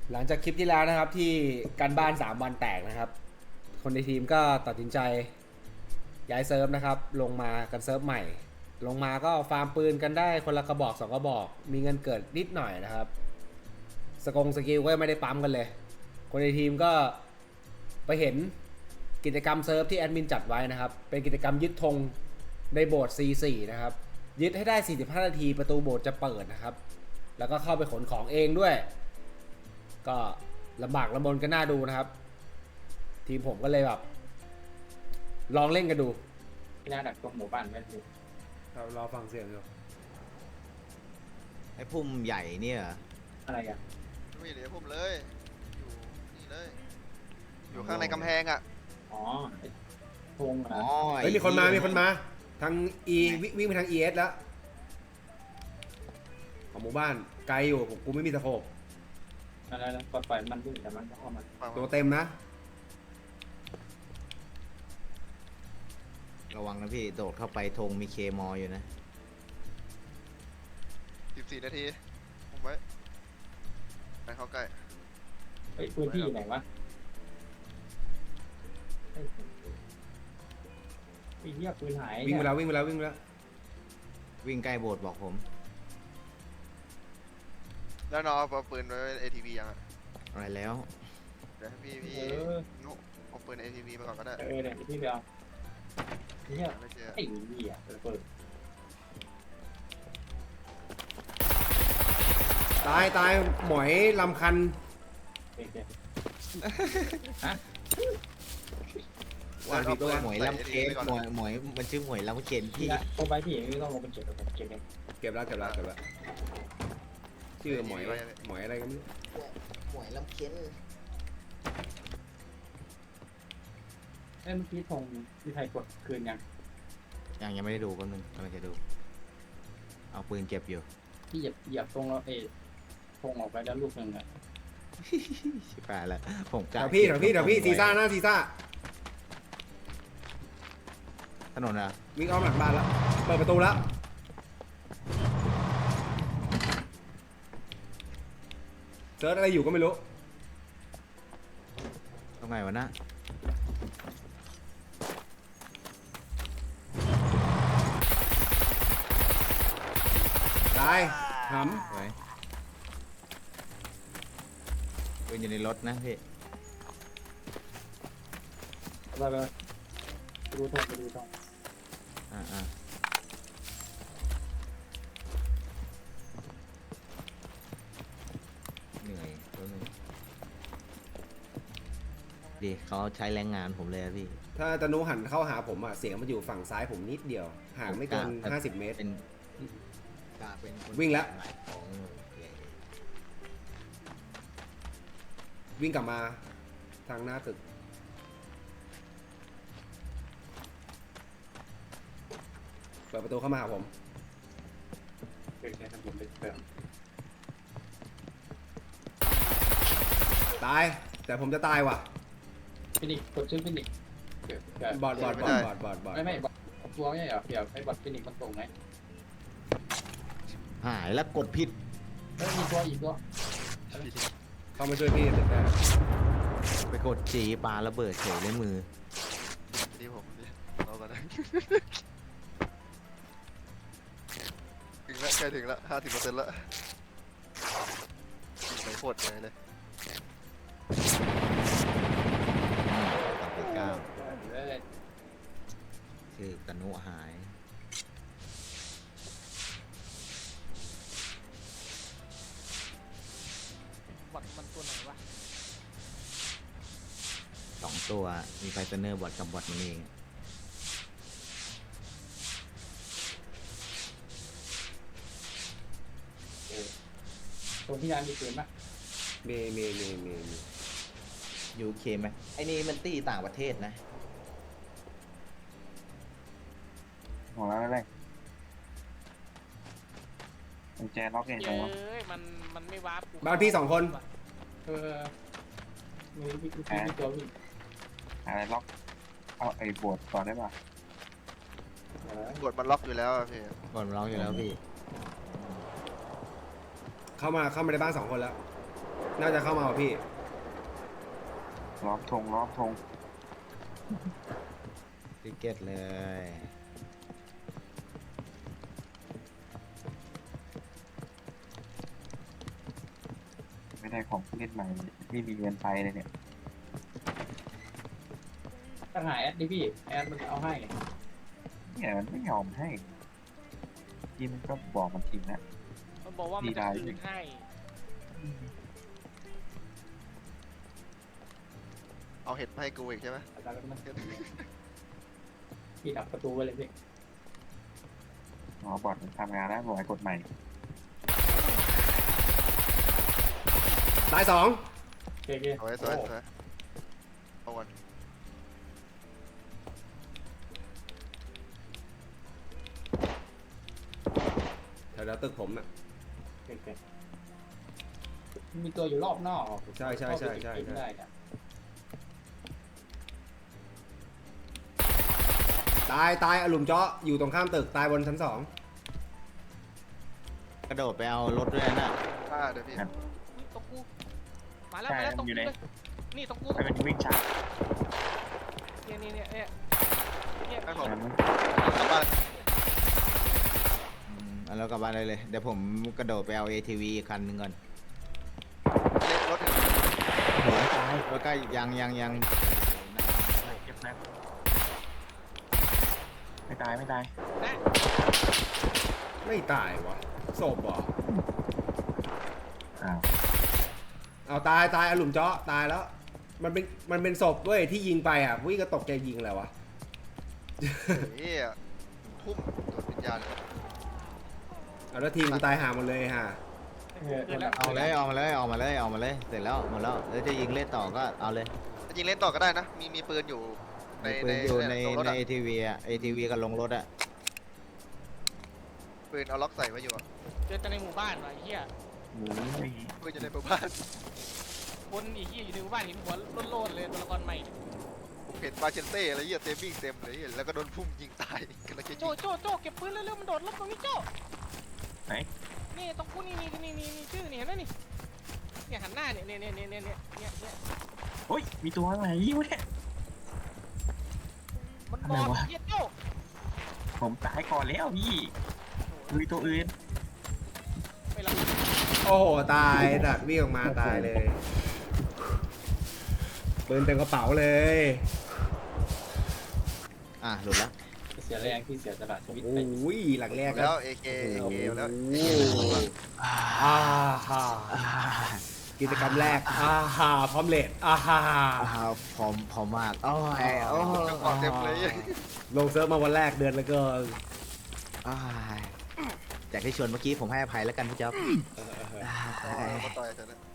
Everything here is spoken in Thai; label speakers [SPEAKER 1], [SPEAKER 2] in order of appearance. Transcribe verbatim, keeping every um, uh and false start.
[SPEAKER 1] หลังจากคลิปที่แล้วนะครับที่การบ้านสามวันแตกนะครับคนในทีมก็ตัดสินใจย้ายเซิร์ฟนะครับลงมากันเซิร์ฟใหม่ลงมาก็ฟาร์มปืนกันได้คนละกระบอกสองกระบอกมีเงินเกิดนิดหน่อยนะครับสกงสกิลก็ไม่ได้ปั๊มกันเลยคนในทีมก็ไปเห็นกิจกรรมเซิร์ฟที่แอดมินจัดไว้นะครับเป็นกิจกรรมยึดธงในโบสถ์ ซี โฟร์ นะครับยึดให้ได้สี่สิบห้านาทีประตูโบสถ์จะเปิดนะครับแล้วก็เข้าไปขนของเองด้วยก็ลำบากลำบนกันน่าดูนะครับทีมผมก็เลยแบบลองเล่นกันดู
[SPEAKER 2] ที่น่าดักตรงหมู่บ้านไม่ถูก
[SPEAKER 1] เรารอฟังเสียงอยู่
[SPEAKER 3] ไอ้พุ่มใหญ่เนี่ย
[SPEAKER 2] อะไรอ่ะ
[SPEAKER 4] ไม่เหลือผมเลยอยู่นี่เลยอยู่ข้างในกำแพงอ่ะ
[SPEAKER 2] อ๋อธงเหรอ
[SPEAKER 1] เฮ้ยมีคนมามีคนมาทาง E วิ่งไปทาง อี เอส แล้วของหมู่บ้านไกลอยู่ผมกูไม่มีตะโขบ
[SPEAKER 2] อะไรแล้วปล่อยมันวิ่งแต่มันก็เข้ามา
[SPEAKER 1] ตัวเต็มนะ
[SPEAKER 3] ระวังนะพี่โดดเข้าไปธงมีเคมออยู่นะ
[SPEAKER 4] สิบสี่นาทีผมไว้ไปเข้าใกล้
[SPEAKER 2] เฮ้ยพื้นที่ไหนวะไอ้เหี้ยปืนหาย
[SPEAKER 1] วิ่งไปแล้ววิ่งไปแล้ววิ่งไปแล้ว
[SPEAKER 3] วิ่งใกล้โบสถ์บอกผม
[SPEAKER 4] แล้วน้องเอาปืนไว้ เอ ที วี ยังอ่ะ
[SPEAKER 3] อะไรแล้ว
[SPEAKER 4] เดี๋ยวให้พี่พี่นุ๊กเอาปืน เอ ที วี มาก่อนก็ได้
[SPEAKER 2] เออเดี๋ยวพี่ไปเอาเนี่ยไอ้เหี้ยเปิด
[SPEAKER 1] ตายตายหมอยลำคัน
[SPEAKER 2] ฮะ
[SPEAKER 3] ว่าพี่ตัวหมวยลำเค็นหมวยหมวยมันชื่อหมวยลำเค็นพี่
[SPEAKER 2] ลงไปพี่ไม่ต้องลงเป็นเจ็บเก็บเอง
[SPEAKER 1] เก็บแล้วเก็บแล้วเก็บแล้วชื่อหมอยหมอยอะไรกันไม่รู้
[SPEAKER 3] หมวยลำเค็น
[SPEAKER 2] เอ้เมื่อกี้ธงที่ไทยกดคืนยัง
[SPEAKER 3] ยังยังไม่ได้ดูแป๊บนึงกำลังจะดูเอาปืนเก็บอยู่
[SPEAKER 2] พี่เหยียบเหยียบตรงแล้วเอธงออกไปแล้วลูกหนึ่งอ่ะ
[SPEAKER 3] ชิบหายแล้วผมก
[SPEAKER 1] ะเดี๋ยวพี่เดี๋ยวพี่เดี๋ยวพี่ซีซ่าหน้าซีซ่า
[SPEAKER 3] ถนนอะ
[SPEAKER 1] วิ่งอ้อมหลังบ้านแล้วเปิดประตูแล้วเซิร์ชอะไรอยู่ก็ไม่รู้
[SPEAKER 3] ตรงไหนวะนะ
[SPEAKER 1] ตายห
[SPEAKER 3] ำไว้เป็นอยู่ในรถนะพี่
[SPEAKER 2] ไปไปดูทองไปดูทอง
[SPEAKER 3] อ่าอ่าเหนื่อยตัวนึงดีเขาใช้แรงงานผมเลยพี่
[SPEAKER 1] ถ้าตะนุหันเข้าหาผมอ่ะเสียงมันอยู่ฝั่งซ้ายผมนิดเดียวห่างไม่เกินห้าสิบเมตร
[SPEAKER 3] เป็นเป็น
[SPEAKER 1] วิ่งแล้ววิ่งกลับมาทางหน้าตึกเปิดประตูเข้ามาหาผมตายแต่ผมจะตายว่ะ
[SPEAKER 2] ฟินิกกดชื่อฟินิก
[SPEAKER 1] บอดบอดบอดบอดบอดบอด
[SPEAKER 2] ไม่ไม่บอดตัวไม่ใช่เหรอเดี๋ยวไอ้บอดฟินิกมันตรงไหม
[SPEAKER 3] หายแล้วกดผิด
[SPEAKER 2] เฮ้ยมีตัวอีกตัว
[SPEAKER 1] เข้ามาช่วยพี่ตึกได้
[SPEAKER 3] ไปกดจีปาระเบิดเฉยในมือ
[SPEAKER 4] ดีผมดิรอก่อนนะถึงแล้วใกล้ถึงแล้วห้าสิบเปอร์เซ็นต์แล้วไปโคตรเลย
[SPEAKER 3] ต่อไปเก้าคือตะนุหาย
[SPEAKER 5] บอทมันตัวไหนวะ
[SPEAKER 3] สองตัวมีไฟเซเนอร์บอทกับบอทมันเอง
[SPEAKER 2] ตรงที่ร้านมีปืนปะ
[SPEAKER 1] เมเมเมเม
[SPEAKER 3] ยูเคไหมไอ้นี่มันตีต่างประเทศนะ
[SPEAKER 6] ของเราอะไรกุญแจล็อกเองจังวะ
[SPEAKER 5] เอ้ยมันมันไม่วาร์ป
[SPEAKER 1] บ้านพี่สองคน
[SPEAKER 2] เออมีมีมีตัวพี่
[SPEAKER 6] อะไรล็อกเอาไอ้บวชก่อนได้ป่ะ
[SPEAKER 4] กดมันล็อกอยู่แล้วพี่
[SPEAKER 3] กดมันล็อกอยู่แล้วพี่
[SPEAKER 1] เข้ามาเข้ามาในบ้านสองคนแล้วน่าจะเข้ามาว่ะพี่
[SPEAKER 6] ล้อมธงล้อมธง
[SPEAKER 3] ติเก็ตเลย
[SPEAKER 6] ไม่ได้ของผู้เล่นใหม่ไม่มีเงินไปเลยเนี่ย
[SPEAKER 2] ตั้งหาแอดดิพี่แอดมันเอาให้
[SPEAKER 6] เนี่ยมันไม่ยอมให้ทีมมันก็บอกมันทีนะ
[SPEAKER 5] มันบอกว่ามันจะคืนให้
[SPEAKER 4] เอาเห็ดมาให้กูอีกใช่ไหม
[SPEAKER 2] อาจารย์ก็มันพี่ดับประตูไว้เลยพี่
[SPEAKER 6] อ๋อบอร์ดมันทำงานแล้วบอกให้กดใหม่
[SPEAKER 1] ตายสอง
[SPEAKER 2] โอเคโอเค
[SPEAKER 4] สวยสวยสวยเอาวัน
[SPEAKER 1] แถวๆตึกผมอ่ะ
[SPEAKER 2] โอเคโอเคมีตัวอยู่รอบนอก
[SPEAKER 1] ใช่ใช่ใช่ใช่
[SPEAKER 2] ไม่
[SPEAKER 1] ใช่
[SPEAKER 2] ได้เนี่ย
[SPEAKER 1] ตายตายอลุมเจาะอยู่ตรงข้ามตึกตายบนชั้นสอง
[SPEAKER 3] กระโดดไปเอารถด้วยนะ
[SPEAKER 4] ฆ่าเดี๋ยวพี่
[SPEAKER 5] อุ๊ยตรงกู มาแล้วมาแล้วตรงกูเลยนี่ตรงกู
[SPEAKER 6] ไอ้มันวิ่งช้า
[SPEAKER 5] เนี่ยเนี่ยเนี่ยเนี่ยเนี่ย
[SPEAKER 4] ให้ผม
[SPEAKER 6] มัน
[SPEAKER 4] กลับบ้าน
[SPEAKER 3] อืมเอาแล้วกลับบ้านเลยเลย เดี๋ยวผมกระโดดไปเอา เอ ที วี อีกคันหนึ่งก่อน
[SPEAKER 4] เล็กรถเห็น
[SPEAKER 6] หัวตาย
[SPEAKER 3] แล้วก็ยังยังยัง
[SPEAKER 6] เก็บนะไม่ตายไม่ตาย
[SPEAKER 5] นะ
[SPEAKER 1] ไม่ตายวะศพเหรอ
[SPEAKER 6] อ้าว
[SPEAKER 1] เอาตายตายอลุมเจาะตายแล้ว มันเป็นมันเป็นศพเว้ยที่ยิงไปอ่ะวิ่งก็ตกใจยิงอะไรวะ
[SPEAKER 4] เฮียทุ่มตัววิญญาณเลย
[SPEAKER 1] เอาแล้วทีมกูตายหาหมดเลยฮะ
[SPEAKER 2] เออ
[SPEAKER 5] เกิดแล้ว
[SPEAKER 3] เอาเลยเอามาเลยเอามาเลยเอามาเลย เสร็จแล้วหมดแล้วแล้วจะยิงเล่นต่อก็เอาเลย
[SPEAKER 4] จริงเล่นต่อก็ได้นะ มีมีปืนอยู่ใน
[SPEAKER 3] ปื
[SPEAKER 4] ใน
[SPEAKER 3] นอยู่ใน
[SPEAKER 4] ตรงรถ
[SPEAKER 3] ใน
[SPEAKER 4] อะ
[SPEAKER 3] เอทีวีอะเอทีวีกับลงรถอะ
[SPEAKER 4] ปืนเอาล็อกใส่ไว้อยู่อะ
[SPEAKER 5] เจอแต่ในหมู่บ้านว่ะไอ้เหี้ย
[SPEAKER 6] โอ้ย
[SPEAKER 4] ปืนอยู่ในหมู่บ้าน
[SPEAKER 5] คนไอ้เหี้ยอยู่ในหมู่บ้านเห็นหัวโลนๆเลยตัวละครใหม่
[SPEAKER 4] ผมเห็นมาเชนเต้อะไรเหี้ยเต็มวิ่งเต็มเลยเหี้ยแล้วก็โดนพุ่มยิงตายกันแล้วจะ
[SPEAKER 5] โจ
[SPEAKER 4] ยิง
[SPEAKER 5] โจโจเก็บปืนเร็วๆมันโดดลบตรงนี้โจ
[SPEAKER 6] ไหน
[SPEAKER 5] นี่ตรงกูนี่นี่นี่นี่นี่ชื่อนี่เห็นไหมนี่เนี่ยหันหน้าเนี่ยเนี่ยเนี่ยเนี่ยเนี่ยเนี่ยเนี่ย
[SPEAKER 6] โอ้ยมีตัวอะไรวะเนี่ย
[SPEAKER 5] มันบ
[SPEAKER 6] อะไร
[SPEAKER 5] อก
[SPEAKER 6] วะ
[SPEAKER 5] เหี้ยโจ
[SPEAKER 6] ผมตายก่อนแล้วพี่มีตัวอื่น
[SPEAKER 5] ไม่รับ
[SPEAKER 1] โอ้โหตายดัดวิ่งออกมาตายเลยปืนเต็มกระเป๋าเลย
[SPEAKER 3] อ่ะหลุดแล้ว
[SPEAKER 2] เสียแรงที่เสียสละชีวิต
[SPEAKER 1] โอ
[SPEAKER 2] ไป้
[SPEAKER 1] ยหลังแรก
[SPEAKER 4] แล้วเอเคเอเคแล้ว
[SPEAKER 1] โอ้โหอ่าฮ่ากิจกรรมแรกอ่าฮ่าพร้อมเลดอ่าฮ่า
[SPEAKER 3] อ้าวพร้อมพร้อมมากโอ้ยโอ้ย
[SPEAKER 4] เจ้าของเต็มเลย
[SPEAKER 1] ลงเซิร์ฟมาวันแรกเดือนแล้วก็
[SPEAKER 3] อ้ายจากที่ชวนเมื่อกี้ผมให้อภัยแล้วกันพี่จ๊อบ
[SPEAKER 4] อ๋อมาต่อยเถอะนะ